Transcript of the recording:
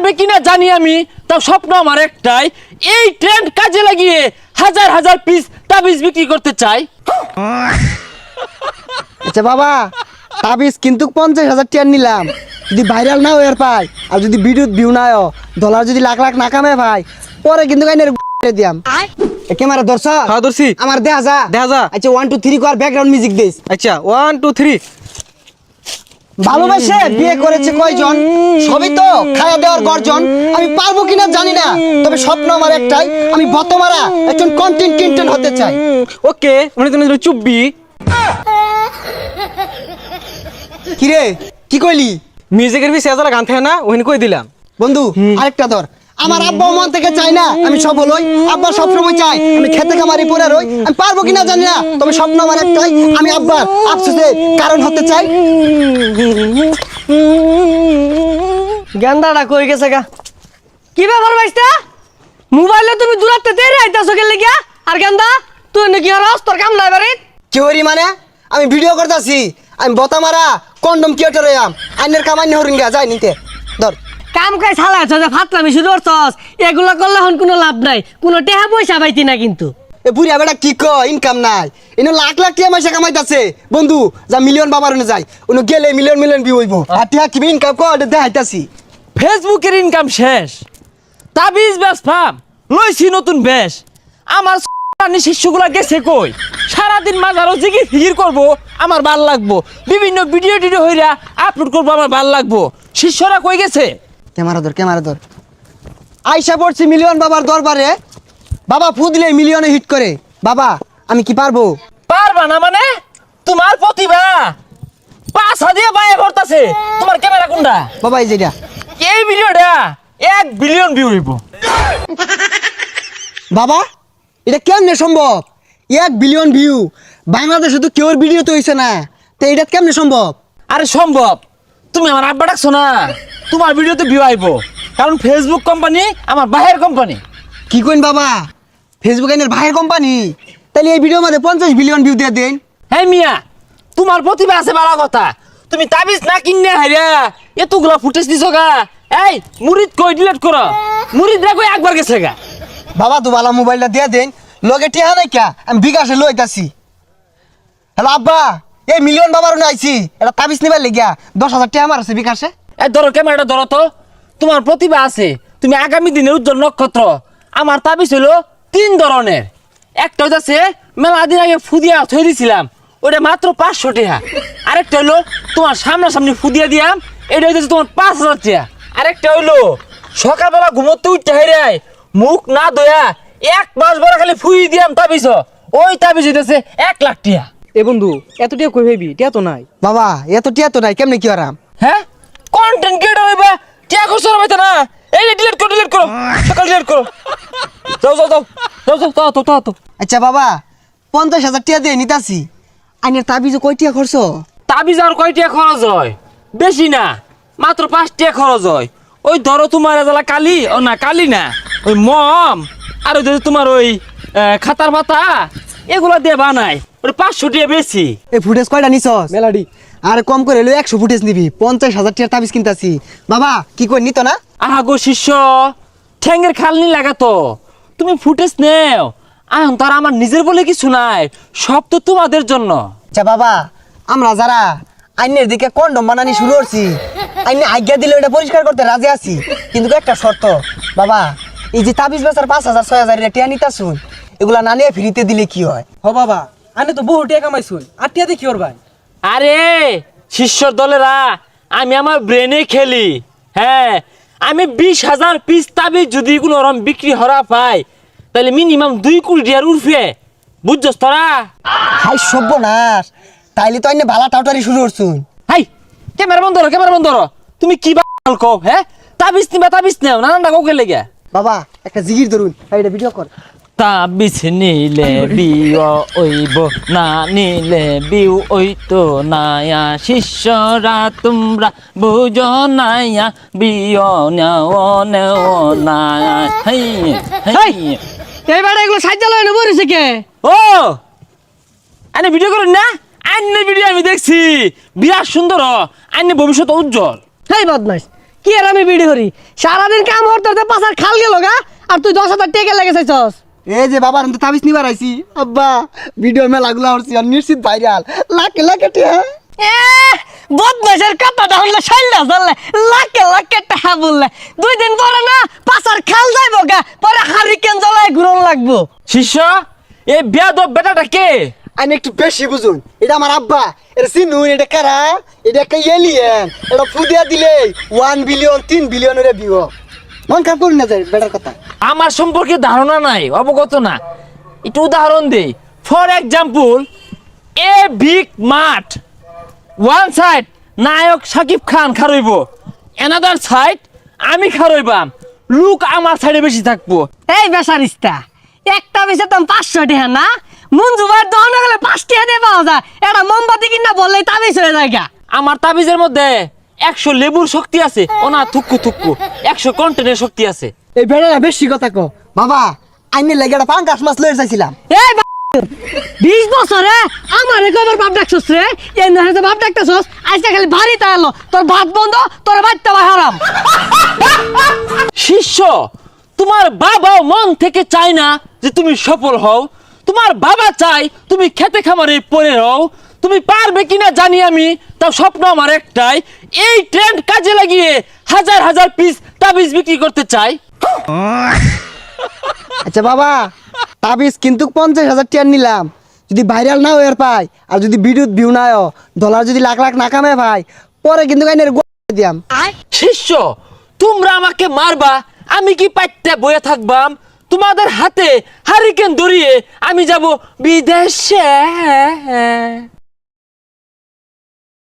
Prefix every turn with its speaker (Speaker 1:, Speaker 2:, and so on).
Speaker 1: হবে কিনা জানি আমি, তাও স্বপ্ন আমার একটাই, এই ট্রেন্ড কাজে লাগিয়ে হাজার হাজার পিস তাবিজ বিক্রি করতে চাই।
Speaker 2: আচ্ছা বাবা, তাবিজ কিন্তু 50,000 টাকা নিলাম, যদি ভাইরাল না হয়ে পাই আর যদি ভিউ না হয়, ডলার যদি লাখ লাখ না কামে ভাই, পরে কিন্তু দিয়াম। ক্যামেরা ধরছ?
Speaker 3: হ্যাঁ ধরছি।
Speaker 2: আমার দেখা যা। আচ্ছা 1 2 3 কর, ব্যাকগ্রাউন্ড মিউজিক দিস।
Speaker 3: আচ্ছা 1 2 3।
Speaker 2: ভালোবাসে বিয়ে করেছে কয়জন, সবই তো খাওয়া দেওয়ার গর্জন। আমি পারবো কিনা জানি না, তবে স্বপ্ন আমার একটাই, আমি বতমারা একজন কন্টেন্ট ক্রিয়েটর হতে চাই।
Speaker 3: ওকে, মানে তুমি চুপবি।
Speaker 2: কিরে কি কইলি?
Speaker 3: মিউজিকের বি সেজালা গান থাকে না, ওখানে কই দিলাম।
Speaker 2: বন্ধু আরেকটা ধর। আমার আব্বা মন থেকে চাই না আমি সফল হই, আব্বা সবসময় চাই আমি খেতে খামারি পড়ে রই। আমি পারবো কিনা জানি না, তবে স্বপ্ন আমার একটাই, আমি আব্বার আফসোসের কারণ হতে চাই।
Speaker 4: গেন্দাটা কই গেছে গা? কি ব্যাপার ভাইস্তা? মোবাইলে তুমি দূরাতে তেরে আইতাছো গেলে গিয়া? আর গেন্দা তুই নাকি আর তোর কাম নাই বাড়ি?
Speaker 2: কি হরি মানে? আমি ভিডিও করতেছি, আমি বতামারা কন্ডম ক্রিয়েটর হইয়াম, আইনের কামান্য হরিঙ্গা যাই নিতে ধর।
Speaker 4: কাম কাজ চালাইছ যে ফাতলামি শুরু করছস, এগুলা করলে হন কোনো লাভ নাই, কোনো টেহা পয়সা পাইতি না কিন্তু।
Speaker 2: এ বুড়িয়া বেটা কি কয়, ইনকাম নাই, এনে লাখ লাখ টাকা পয়সা কামাইতাছে। বন্ধু যা মিলিয়ন বাবার ওনে যাই, ওনে গেলে মিলিয়ন মিলিয়ন ভিউ হইব। আর টিয়া কি ইনকাম কর দেখাইতাছি।
Speaker 1: ফেসবুকের ইনকাম শেষ, তাবিজ ব্যবসাম লইছি নতুন বেশ। আমার শিষ্যগুলা গেছে কই? সারাদিন মাঝারও জিগি ফিগির করবো, আমার ভাল লাগবো। বিভিন্ন ভিডিও টিডিও হইরা আপলোড করবো, আমার ভাল লাগবো। শিষ্যরা কই গেছে?
Speaker 2: ক্যামেরা ধর। আইসা পড়ছি মিলিয়ন বাবার দরবারে, বাবা ফু দিলে মিলিয়নে হিট করে। বাবা আমি কি পারবো?
Speaker 1: পারবা না মানে? তোমার প্রতিভা পাছা দিয়ে বাইরে ভরতাছে। তোমার ক্যামেরা কোনটা?
Speaker 2: বাবা এই যেটা।
Speaker 1: এই ভিডিওটা 1 বিলিয়ন ভিউ হইব।
Speaker 2: বাবা এটা কেমনে সম্ভব? 1 বিলিয়ন ভিউ বাংলাদেশে তো কেউর ভিডিও তো হইছে না, তো এটা কেমনে সম্ভব?
Speaker 1: আরে সম্ভব, তুমি আমার আব্বা ডাকছো না, তোমার ভিডিওতে ভিউ আইব। কারণ ফেসবুক কোম্পানি আমার বাহের কোম্পানি।
Speaker 2: কি কইন বাবা, ফেসবুক এর ভাইয়ের কোম্পানি? তাহলে এই ভিডিওর মধ্যে 50 বিলিয়ন ভিউ দিয়ে দেন।
Speaker 1: হ্যাঁ মিয়া, তোমার প্রতিভা আছে ভালো কথা, তুমি তাবিজ না কিনে হাইরা এতগুলা ফুটেজ দিছো গা। এই মুরিদ কই ডিলিট করো, মুরিদ রা কই একবার গেছে গা।
Speaker 2: বাবা তো ভালো মোবাইলটা দিয়ে দেন, লগে টিহা নাই কা, আমি বিকাশে লইতাছি। হ্যালো আব্বা, এই মিলিয়ন বাবার উনি আইছি, এটা তাবিজ নিবার লেগিয়া 10,000 টাকা আমার আছে বিকাশে।
Speaker 1: এই ধরো ক্যামেরাটা ধরো তো, তোমার প্রতিভা আছে, তুমি আগামী দিনের উজ্জ্বল নক্ষত্র। আমার তাবিজ হইলো 3 ধরনের। একটা হইতাছে মেলা দিন আগে ফুদিয়া থই দিছিলাম, ওটা মাত্র 500 টাকা। আরেকটা হইলো তোমার সামনাসামনি ফুদিয়া দিয়াম, এটা হইতেছে তোমার 5,000 টাকা। আরেকটা হইলো সকালবেলা ঘুমোতে উঠতে হেরাই মুখ না ধোয়া 1 মাস বড় খালি ফুই দিয়াম তাবিজ, ওই তাবিজ হইতেছে 1 লাখ টাকা।
Speaker 3: এ বন্ধু এত টিয়া কই ভাবি? টিয়া তো নাই।
Speaker 2: বাবা এত টিয়া তো নাই, কেমনে কি আরাম?
Speaker 1: হ্যাঁ কন্টেন্ট ক্রিয়েটর হইবা, টিয়া করছো না ভাইতা না? এই ডিলিট করো সকাল ডিলিট করো। যাও।
Speaker 2: আচ্ছা বাবা 50,000 টাকা দিয়ে নিতাছি, আইনের তাবিজ কয় টাকা খরচ?
Speaker 1: তাবিজ আর কয় টাকা খরচ হয়? বেশি না, মাত্র 5 টাকা খরচ হয়। ওই ধরো তোমার এজালা কালি, ও না কালি না, ওই মম আর ওই ধরো তোমার ওই খাতার পাতা, এগুলা দিয়ে বানাই, ওই 500 টাকা বেশি।
Speaker 2: এই ফুটেজ কয়টা নিছস?
Speaker 3: মেলাডি।
Speaker 2: আর কম করে হলো 100 ফুটেজ নিবি, 50,000 টাকা তাবিজ কিনতাছি। বাবা কি কই নিত না?
Speaker 1: আহা গো শিষ্য, ঠ্যাঙ্গের খালনি লাগাতো, তুমি ফুটেজ নেও। এখন তার আমার নিজের বলে কিছু নাই, সব তো তোমাদের জন্য।
Speaker 2: আচ্ছা বাবা, আমরা যারা আইনের দিকে কন্ডম বানানি শুরু করছি, আইনে আজ্ঞা দিলে এটা পরিষ্কার করতে রাজি আছি, কিন্তু একটা শর্ত। বাবা এই যে তাবিজ বেচার 5,000 6,000 টাকা নিতা শুন, এগুলা না নিয়ে ফ্রিতে দিলে কি হয়?
Speaker 3: হ বাবা, আনে তো বহু টিয়া কামাইছুন, আর টিয়া দেখি ওর ভাই।
Speaker 1: আরে শিষ্যর দলেরা, আমি আমার ব্রেনে খেলি। হ্যাঁ, আমি 20,000 পিস তাবিজ যদি কোনো রকম বিক্রি হরা পাই, তাহলে মিনিমাম 2 কোটি টাকার উঠবে, বুঝছস তোরা?
Speaker 2: হাই সর্বনাশ, তাইলে তো আইনে ভালা টাউটারি শুরু করছুন।
Speaker 1: হাই ক্যামেরা বন্ধ করো, তুমি কি বাল কও? হ্যাঁ তাবিজ নেও নানানটা কৌকে লেগে।
Speaker 2: বাবা একটা জিগির ধরুন, এটা ভিডিও কর।
Speaker 1: তাবিজ নিলে বিও ওইব, না নিলে বিউ ওইতো নায়া। শিষ্যরা তোমরা বুঝো নায়া, বিও নেও নায়া।
Speaker 4: এই বেটা এগুলো সাজ্জা লয় বরিছে কে?
Speaker 1: ও আনে ভিডিও করুন না, আইনের ভিডিও আমি দেখছি, বিরাট সুন্দর, আইনের ভবিষ্যৎ উজ্জ্বল।
Speaker 4: হেই বদমাইশ, কি আর আমি বিড়ি করি সারাদিন কাম করতে পাশার খাল গেল গা আর তুই 10,000 টাকা লেগে চাইছস
Speaker 2: এই যে বাবার আমি তো তাবিজ নিবার আইছি আব্বা ভিডিও মেলাগুলো হচ্ছে আর নিশ্চিত ভাইরাল লাখে লাখে টিয়া
Speaker 4: এ বদমাশের কথাটা হলে শাইলা জানলে লাখে লাখে টাকা বললে 2 দিন পরে না পাশার খাল যাইবো গা পরে হারিকেন জ্বালায় ঘুরন লাগবো
Speaker 1: শিষ্য এই বেয়াদব বেটাটা কে?
Speaker 2: আমি একটু বেশি বুঝুন এটা আমার আব্বা এটা চিনুন এটা কারা এটা একটা এলিয়েন এটা ফুদিয়া দিলে 1 বিলিয়ন 3 বিলিয়নের ভিউ মন খারাপ করুন না যায় বেটার কথা
Speaker 1: আমার সম্পর্কে ধারণা নাই, অবগত না। একটু উদাহরণ দেই। ফর এক্সাম্পল, এ বিগ মাঠ, ওয়ান সাইড নায়ক শাকিব খান খারইব, অ্যানাদার সাইড আমি খারইবাম, লুক আমার সাইডে বেশি থাকবো।
Speaker 4: এই বেসারিস্তা একটা বেশে তো 500 টাকা না মঞ্জু ভাই দহন গেলে 5 টাকা দিয়ে পাওয়া যায় এটা মোমবাতি কিনা বললেই তাবিজ হয়ে যায় গা।
Speaker 1: আমার তাবিজের মধ্যে 100 লেবুর শক্তি আছে, ও না থুক্কু থুক্কু 100 কন্টেনের শক্তি আছে।
Speaker 2: এই বেটারা বেশি কথা কো বাবা আইনে লাগে একটা পাঙ্গাস মাছ লয়ে যাইছিলাম
Speaker 4: এই 20 বছরে আমার একবার বাপ ডাকছস রে এই না বাপ ডাকছস আজকে খালি বাড়িতে এলো তোর ভাত বন্ধ তোর বাচ্চা ভাই হারাম।
Speaker 1: শিষ্য, তোমার বাবাও মন থেকে চায় না যে তুমি সফল হও। তোমার বাবা চাই তুমি খেতে খামারে পড়ে রও। তুমি পারবে কিনা জানি আমি, তাও স্বপ্ন আমার একটাই, এই ট্রেন্ড কাজে লাগিয়ে হাজার হাজার পিস তাবিজ বিক্রি করতে চাই।
Speaker 2: আচ্ছা বাবা তাবিজ কিন্তু 50,000 টাকা নিলাম, যদি ভাইরাল না হয়ে পাই আর যদি বিদ্যুৎ ভিউ না হয় ডলার যদি লাখ লাখ না কামে ভাই পরে কিন্তু আইনের দিয়াম।
Speaker 1: শিষ্য, তোমরা আমাকে মারবা, আমি কি পাইতে বয়ে থাকবাম? তোমাদের হাতে হারিকেন ধরিয়ে আমি যাব বিদেশে।